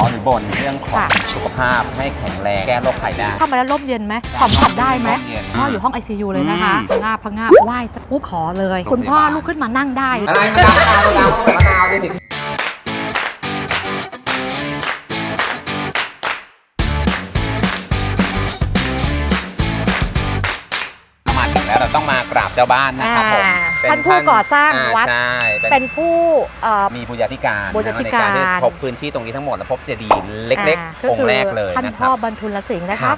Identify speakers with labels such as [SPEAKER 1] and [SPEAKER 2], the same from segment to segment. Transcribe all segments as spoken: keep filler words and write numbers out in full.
[SPEAKER 1] หรือบ่นเรื่องของสุขภาพให้แข็งแรงแก้โรคภัยได้
[SPEAKER 2] เข้ามาแล้วร่มเย็นไหมสัมผัสได้ไหมพ่ออยู่ห้อง ไอ ซี ยู เลยนะคะพังงาบพังงาบไหว้ปุ๊บขอเลยคุณพ่อลุกขึ้นมานั่งได้
[SPEAKER 1] อะไรมะนาวมะนาวมะนาวมะนาวดิแล้วเราต้องมากราบเจ้าบ้านนะครับผม
[SPEAKER 2] ท่านผู้ก่อสร้างวัดเป็นผู้
[SPEAKER 1] มีบูญาธิการในการที่พบพื้นที่ตรงนี้ทั้งหมดและพบเจดีย์เล็กๆองค์แรกเลย
[SPEAKER 2] ท่านพ่อบรรทุลสิงห์นะครับ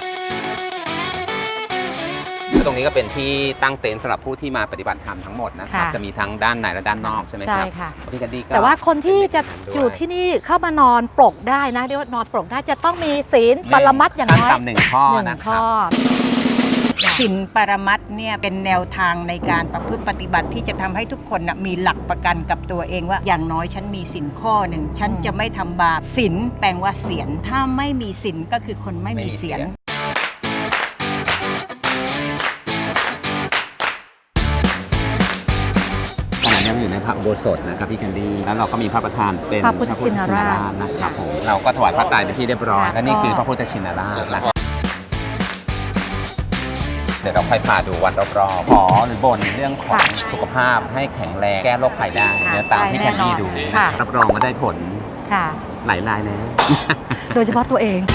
[SPEAKER 1] ตรงนี้ก็เป็นที่ตั้งเต็นท์สำหรับผู้ที่มาปฏิบัติธรรมทั้งหมดนะครับจะมีทั้งด้านในและด้านนอกใช่ไหมครับ
[SPEAKER 2] ใช่ค่ะ
[SPEAKER 1] พี่กันดีก็
[SPEAKER 2] แต่ว่าคนที่จะอยู่ที่นี่เข้ามานอนปลกได้นะเรียกว่านอนปลกได้จะต้องมีศีลปรมัตถ์อย่างน้อย
[SPEAKER 1] หนึ่งข้อนะครับ
[SPEAKER 3] ศีลปรมัตถ์เนี่ยเป็นแนวทางในการประพฤติปฏิบัติที่จะทำให้ทุกคนมีหลักประกันกับตัวเองว่าอย่างน้อยฉันมีศีลข้อหนึ่งฉันจะไม่ทำบาปศีลแปลว่าเสียรถ้าไม่มีศีลก็คือคนไม่มีเสียร
[SPEAKER 1] ขณะนี้เราอยู่ในพระอุโบสถนะครับพี่แคนดี้แล้วเราก็มีพระประธานเป็น
[SPEAKER 2] พระพุทธชินราช
[SPEAKER 1] นะครับผมเราก็ถวายพระไตรเป็นที่เรียบร้อยและนี่คือพระพุทธชินราชนะเดี๋ยวเราค่อยพาดูวัดรอบๆขอหรือบ่นเรื่องของสุขภาพให้แข็งแรงแก้โรคภัยได้เนี่ยตามที่แคนดี้ดูรับรองว่าได้ผลหลายรายแล้ว
[SPEAKER 2] โดยเฉพาะตัวเอง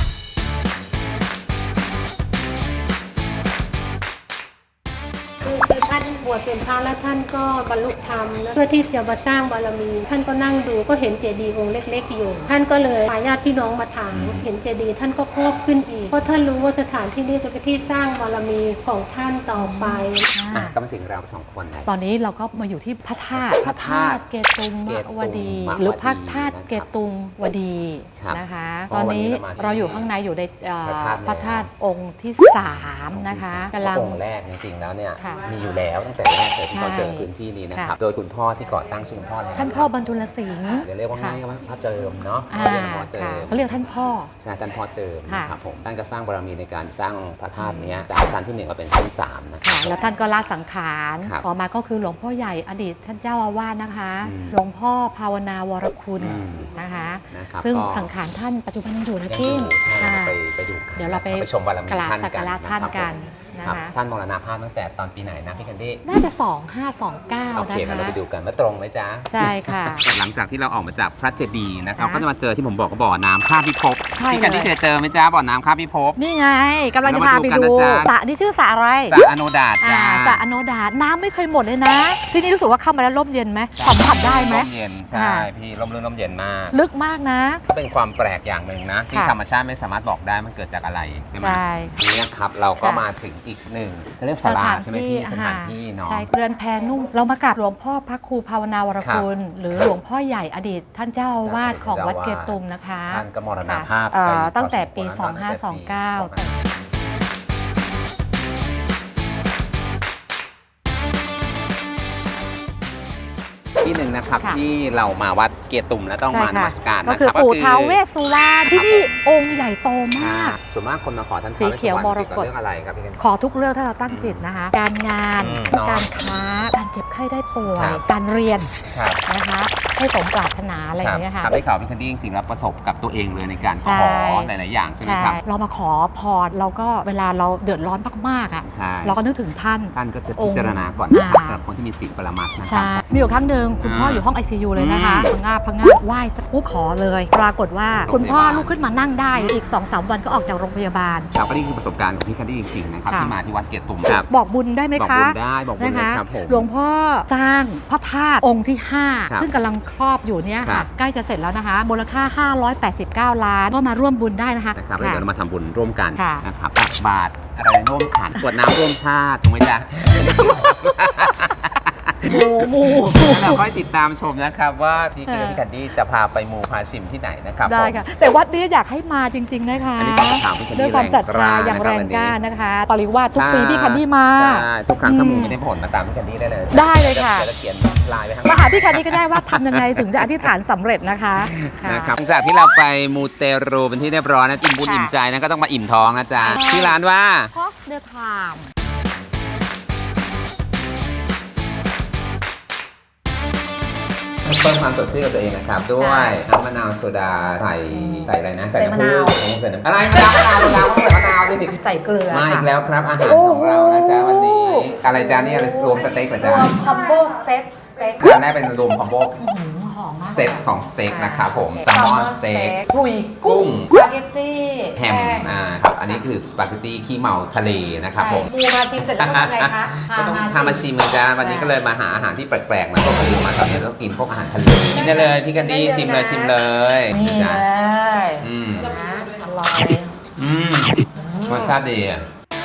[SPEAKER 4] คือท่านบวชเป็นพระแล้วท่านก็บรรลุธรรมเพื่อที่จะมาสร้างบารมีท่านก็นั่งดูก็เห็นเจดีย์องค์เล็กๆอยู่ท่านก็เลยพาญาติพี่น้องมาถามเห็นเจดีย์ท่านก็เพิ่มขึ้นอีกเพราะท่านรู้ว่าสถานที่นี้จะเป็นที่สร้างบารมีของท่านต่อไป
[SPEAKER 1] ก็มาถึงเราสองคน
[SPEAKER 2] ตอนนี้เราก็มาอยู่ที่พระธาตุพระธาตุเกตุมวดีหรือพระธาตุเกตุมวดีนะคะตอนนี้เราอยู่ข้างในอยู่ในพระธาตุองค์ที่สามนะคะ
[SPEAKER 1] กำลังองค์แรกจริงๆแล้วเนี่ยมีอยู่แล้วตั้งแต่แรกเลยที่เราเจอพื้นที่นี้นะครับโดยคุณพ่อที่ก่อตั้งชื่อคุณพ่ออะไร
[SPEAKER 2] ท่านพ่อบรรทุลสิงห์
[SPEAKER 1] เรียกว่าง่ายว่าพ่อเจิมเนาะ
[SPEAKER 2] เขาเรียกท่านพ่อ
[SPEAKER 1] ใช่ท่านพ่อเจิมนะครับผมท่านก็สร้างบารมีในการสร้างพระธาตุนี้จากชั้นที่หนึ่งมาเป็นชั้นสามนะครับ
[SPEAKER 2] แล้วท่านก็ละสังขารต่อมาก็คือหลวงพ่อใหญ่อดีตท่านเจ้าอาวาสนะคะหลวงพ่อภาวนาวรคุณนะคะซึ่งสังขารท่านปัจจุบันยังอยู่นะกิ้ง
[SPEAKER 1] ไปดู
[SPEAKER 2] เดี๋ยวเราไป
[SPEAKER 1] ชมบารมีท่าน
[SPEAKER 2] สักการะท่านกันนะคะ
[SPEAKER 1] ท่านมรณภาพตั้งแต่ตอนปีไหนนะพี่แคนดี้
[SPEAKER 2] น่าจะสองพันห้าร้อยยี่สิบเก้านะคะโอเค
[SPEAKER 1] เราไปดูกันว่าตรงไหมจ๊ะ
[SPEAKER 2] ใช่ค่ะ
[SPEAKER 1] หลังจากที่เราออกมาจากพระเจดีย์นะครับก็จะมาเจอที่ผมบอกก็บ่อน้ำข้าพิภพพี่แคนดี้จะเจอไหมจ๊ะบ่อน้ำข้าพิภพ
[SPEAKER 2] นี่ไงกำลังจะพาไปดูสระนี่ชื่อสระอะไร
[SPEAKER 1] สระอโนดาตจ้า
[SPEAKER 2] สระอโนดาตน้ำไม่เคยหมดเลยนะที่นี่รู้สึกว่าเข้ามาแล้วร่มเย็นไหมสัมผัสได้ไหม
[SPEAKER 1] ร่มเย็นใช่พี่ร่มรื่นร่มเย็นมาก
[SPEAKER 2] ลึกมากนะ
[SPEAKER 1] เป็นความแปลกอย่างหนึ่งนะที่ธรรมชาติไม่สามารถบอกได้มันเกิดจากอะไรใช่ไหมนี่นะครับเราก็มาถึงอีกหนึ่งเรียกศาลาใช่ไหมพี่สถานที่เนาะ
[SPEAKER 2] ใช่เรือนแพนุ่มเรามากราบหลวงพ่อพระครูภาวนาวรคุณหรือหลวงพ่อใหญ่อดีตท่านเจ้าอาวาสของวัดเกตุมนะคะ
[SPEAKER 1] ท่านก็มรณภาพ
[SPEAKER 2] ตั้งแต่ปีสองพันห้าร้อยยี่สิบเก้า
[SPEAKER 1] ที่หนึ่งนะครับที่เรามาวัดเกตุมแล้วต้องมานมัสการ
[SPEAKER 2] ก็คือปู่ท้าวเวสสุวรรณที่นี่องค์ใหญ่โตมาก
[SPEAKER 1] ส่วนมากคนมาขอท่าน
[SPEAKER 2] สีเขียวมรกต
[SPEAKER 1] เรื่องอะไรครับพี่
[SPEAKER 2] ขอทุกเรื่องถ้าเราตั้งจิตนะคะการงานการค้าการเจ็บไข้ได้ป่วยการเรียนนะคะให้สมปรารถนาอะไรอย่างเงี้ยค่ะ
[SPEAKER 1] ได้ข่าวพี่แคนดี้จริงๆแล้วประสบกับตัวเองเลยในการขอหลายๆอย่างใช่ไหมครับ
[SPEAKER 2] เรามาขอพรเราก็เวลาเราเดือดร้อนมากๆอ่ะเราก็นึกถึงท่าน
[SPEAKER 1] ท่านก็จะพิจารณาก่อนนะครับสำหรับคนที่มีศีลปรมัตถ์นะครับ
[SPEAKER 2] มีอยู่ครั้งหนึ่งคุณพ่ออยู่ห้อง ไอ ซี ยู เลยนะคะพังงาบพังงาบไหว้ปุ๊บขอเลยปรากฏว่าคุณพ่อลุกขึ้นมานั่งได้อีก สองสาม วันก็ออกจากโรงพยาบาล
[SPEAKER 1] เราก็นี่คือประสบการณ์ของพี่แคนดี้จริงๆนะครับที่มาที่วัดเกตุม
[SPEAKER 2] บอกบุญได้ไหมคะ
[SPEAKER 1] บอกบุญได้บอกบุญครับผม
[SPEAKER 2] หลวงพ่อสร้างพระธาตุองค์ที่ห้าซึ่งกำลังครอบอยู่เนี่ยค่ะใกล้จะเสร็จแล้วนะคะมูลค่าห้าร้อยแปดสิบเก้าล้านก็มาร่วมบุญได้นะคะ
[SPEAKER 1] นะครับเดี๋ยวเรามาทำบุญร่วมกันนะครับตักบาตรอะไรร่วมขันกวดน้ำร่วมชาติถูกไหมจ๊ะ
[SPEAKER 2] มูมู
[SPEAKER 1] เราค่อยติดตามชมนะครับว่าพี่พี่แคนดี้จะพาไปมูพาชิมที่ไหนนะครับ
[SPEAKER 2] ได้ค่ะแต่วัดนี้อยากให้มาจริงๆนะคะด้วยความศรัทธาอย่างแรงกล้านะคะปริวาสทุกปีพี่แคนดี้มา
[SPEAKER 1] ทุกครั้งถ้ามูไม่ได้ผลมาตามพี่แคนดี้ได้เลย
[SPEAKER 2] ได้เลยค่ะ
[SPEAKER 1] จะเขียนลายไปทั้ง
[SPEAKER 2] มาหาพี่แคนดี้ก็ได้ว่าทำยังไงถึงจะอธิษฐานสำเร็จนะคะ
[SPEAKER 1] นะครับหลังจากที่เราไปมูเตรูเป็นที่เรียบร้อยนะอิ่มบุญอิ่มใจนะก็ต้องมาอิ่มท้องนะจ๊ะที่ร้านว่า
[SPEAKER 2] Cross the Time
[SPEAKER 1] เพิ่มความสดชื่นกับตัวเองนะครับ ด้วยน้ำมะนาวโซดาใส่ใส่อะไรนะ ใส่น้ำผึ้งใส่น้ำอะไรมะนาวมะนาวมะนาวใส่มะนาวดิ
[SPEAKER 2] ใส่เกลือ
[SPEAKER 1] มาอีก
[SPEAKER 2] ค่ะ
[SPEAKER 1] แล้วครับอาหารของเรานะจ๊ะวันนี้ อะไรจ้านี่อะไรรวมสเต็กเหรอ
[SPEAKER 2] ร
[SPEAKER 1] จ๊ะ
[SPEAKER 2] วมคอมโบเซตสเต็ก
[SPEAKER 1] อันแรกเป็นรวมคอมโบ
[SPEAKER 2] อื้อหือหอมมาก
[SPEAKER 1] เซตของสเต็กนะครับผมแซลมอนสเต็ก
[SPEAKER 2] คุย
[SPEAKER 1] กุ้
[SPEAKER 2] กุ้
[SPEAKER 1] ง
[SPEAKER 2] งสปาเกตตี้
[SPEAKER 1] แฮมอ่าครับอันนี้คือสปาเกตตี้ขี้เมาทะเลนะครับผม
[SPEAKER 2] ปูมาชิมเสร็จแล้วต้องทำไงคะ
[SPEAKER 1] ก็ต้องทำมาชิมเลยจ้าวันนี้ก็เลยมาหาอาหารที่แปลกๆมาก็คือมาตอนนี้ต้องกินพวกอาหารทะเลกินได้เลยพี่กันดี้ชิมเลยชิมเลย
[SPEAKER 2] นี่
[SPEAKER 1] จ้ะ
[SPEAKER 2] เลย
[SPEAKER 1] อืม
[SPEAKER 2] นะอร่อย
[SPEAKER 1] อืมรสชาติดีอ่ะ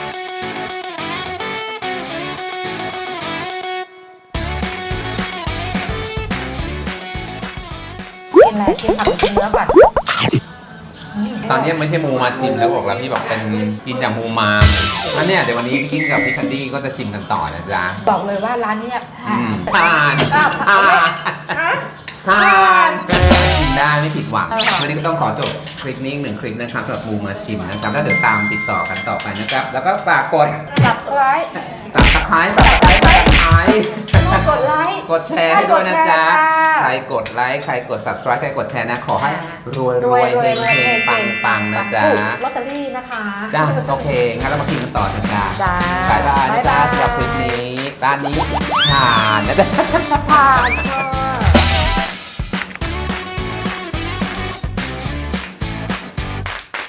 [SPEAKER 2] กินอะไรกินผักหรือกินเนื้อก่อน
[SPEAKER 1] ตอนนี้ไม่ใช่มูมาชิมแล้วบอกแล้วพี่บอกเป็นกินจากมูมามแล้วเนี่ยเดี๋ยววันนี้พี่กินกับพี่คันดี้ก็จะชิมกันต่อนะจ๊ะ
[SPEAKER 2] บอกเลยว่าร้านเนี้ย
[SPEAKER 1] อืมทานทานทานกินได้ไม่ผิดหวังวันนี้ก็ต้องขอจบคลิปนี้อีกหนึ่งคลิปนะครับสำหรับมูมาชิมนะครับแล้วเดี๋ยวตามติดต่อกันต่อไปนะครับแล้วก็ฝากกด
[SPEAKER 2] จับไลค์
[SPEAKER 1] สับตะไคร้สับตะไคร้สับตะไคร้
[SPEAKER 2] กดไลค์
[SPEAKER 1] กดแชร์ให้ด้วยนะจ๊ะ
[SPEAKER 2] ใค
[SPEAKER 1] ใค
[SPEAKER 2] ร
[SPEAKER 1] ร
[SPEAKER 2] ก
[SPEAKER 1] ก
[SPEAKER 2] ด
[SPEAKER 1] ด
[SPEAKER 2] แชร์
[SPEAKER 1] ไลค์ ใครกด subscribe ใครกดแชร์นะ ขอให้รวย
[SPEAKER 2] ร
[SPEAKER 1] ร
[SPEAKER 2] ว
[SPEAKER 1] วย ย
[SPEAKER 2] รวย
[SPEAKER 1] เฮ
[SPEAKER 2] รวย
[SPEAKER 1] งๆปังปังๆนะจ๊ะ
[SPEAKER 2] ลอตเตอรี่นะคะ
[SPEAKER 1] จ้าโอเค งั้นเรามากินกันต่อนะจ๊ะ
[SPEAKER 2] จ้า
[SPEAKER 1] บายบายนะจ๊ะ
[SPEAKER 2] บ๊ายบาย
[SPEAKER 1] สำหรับคลิปนี้ร้านนี้ผ่านนะจ๊ะ
[SPEAKER 2] ผ่านค่ะ